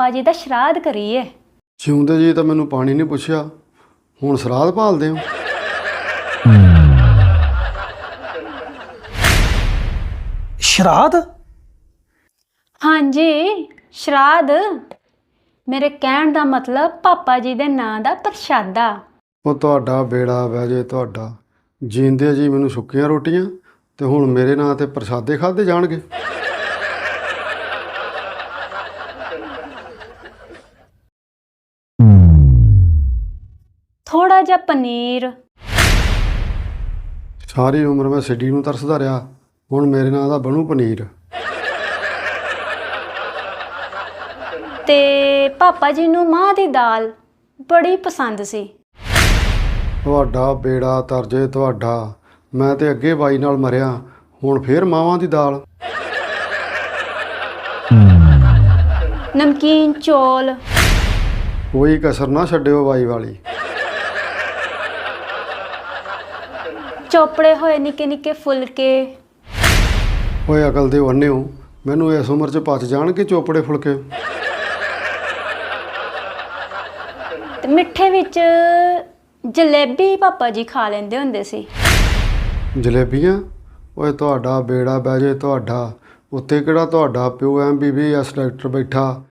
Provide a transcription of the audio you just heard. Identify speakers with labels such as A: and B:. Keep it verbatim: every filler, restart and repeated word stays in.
A: ਪਾਪਾ ਜੀ ਦਾ ਸ਼ਰਾਧ ਕਰੀਏ।
B: ਜਿਉਂਦੇ ਜੀ ਤਾਂ ਮੈਨੂੰ ਪਾਣੀ ਨਹੀਂ ਪੁੱਛਿਆ, ਹੁਣ ਸਰਾਧ ਭਾਲਦੇ ਹੋ?
C: ਸ਼ਰਾਧ?
A: ਹਾਂਜੀ, ਸ਼ਰਾਧ। ਮੇਰੇ ਕਹਿਣ ਦਾ ਮਤਲਬ ਪਾਪਾ ਜੀ ਦੇ ਨਾਂ ਦਾ ਪ੍ਰਸ਼ਾਦਾ।
B: ਉਹ ਤੁਹਾਡਾ ਬੇੜਾ ਬਹਿ ਜੇ ਤੁਹਾਡਾ। ਜੀਂਦੇ ਜੀ ਮੈਨੂੰ ਸੁੱਕੀਆਂ ਰੋਟੀਆਂ ਤੇ ਹੁਣ ਮੇਰੇ ਨਾਂ ਤੇ ਪ੍ਰਸ਼ਾਦੇ ਖਾਧੇ ਜਾਣਗੇ।
A: ਥੋੜਾ ਜਿਹਾ ਪਨੀਰ।
B: ਸਾਰੀ ਉਮਰ ਮੈਂ ਸਿੱਡੀ ਨੂੰ ਤਰਸਦਾ ਰਿਹਾ, ਹੁਣ ਮੇਰੇ ਨਾਂ ਦਾ ਬਣੂ ਪਨੀਰ।
A: ਤੇ ਪਾਪਾ ਜੀ ਨੂੰ ਮਾਂਹ ਦੀ ਦਾਲ ਬੜੀ ਪਸੰਦ ਸੀ।
B: ਤੁਹਾਡਾ ਬੇੜਾ ਤਰਜੇ ਤੁਹਾਡਾ। ਮੈਂ ਤੇ ਅੱਗੇ ਬਾਈ ਨਾਲ ਮਰਿਆ, ਹੁਣ ਫੇਰ ਮਾਵਾਂ ਦੀ ਦਾਲ।
A: ਨਮਕੀਨ ਚੌਲ।
B: ਕੋਈ ਕਸਰ ਨਾ ਛੱਡਿਓ ਬਾਈ ਵਾਲੀ।
A: ਚੋਪੜੇ ਹੋਏ ਨਿੱਕੇ ਨਿੱਕੇ ਫੁਲਕੇ।
B: ਓਏ ਅਕਲ ਦੇ ਵੰਨੇ ਹੋ, ਮੈਨੂੰ ਇਸ ਉਮਰ 'ਚ ਪਚ ਜਾਣਗੇ ਚੋਪੜੇ ਫੁਲਕੇ।
A: ਤੇ ਮਿੱਠੇ ਵਿੱਚ ਜਲੇਬੀ ਪਾਪਾ ਜੀ ਖਾ ਲੈਂਦੇ ਹੁੰਦੇ ਸੀ।
B: ਜਲੇਬੀਆਂ? ਓਏ ਤੁਹਾਡਾ ਬੇੜਾ ਬਹਿ ਜੇ ਤੁਹਾਡਾ। ਉੱਤੇ ਕਿਹੜਾ ਤੁਹਾਡਾ ਪਿਓ M B B S doctor ਬੈਠਾ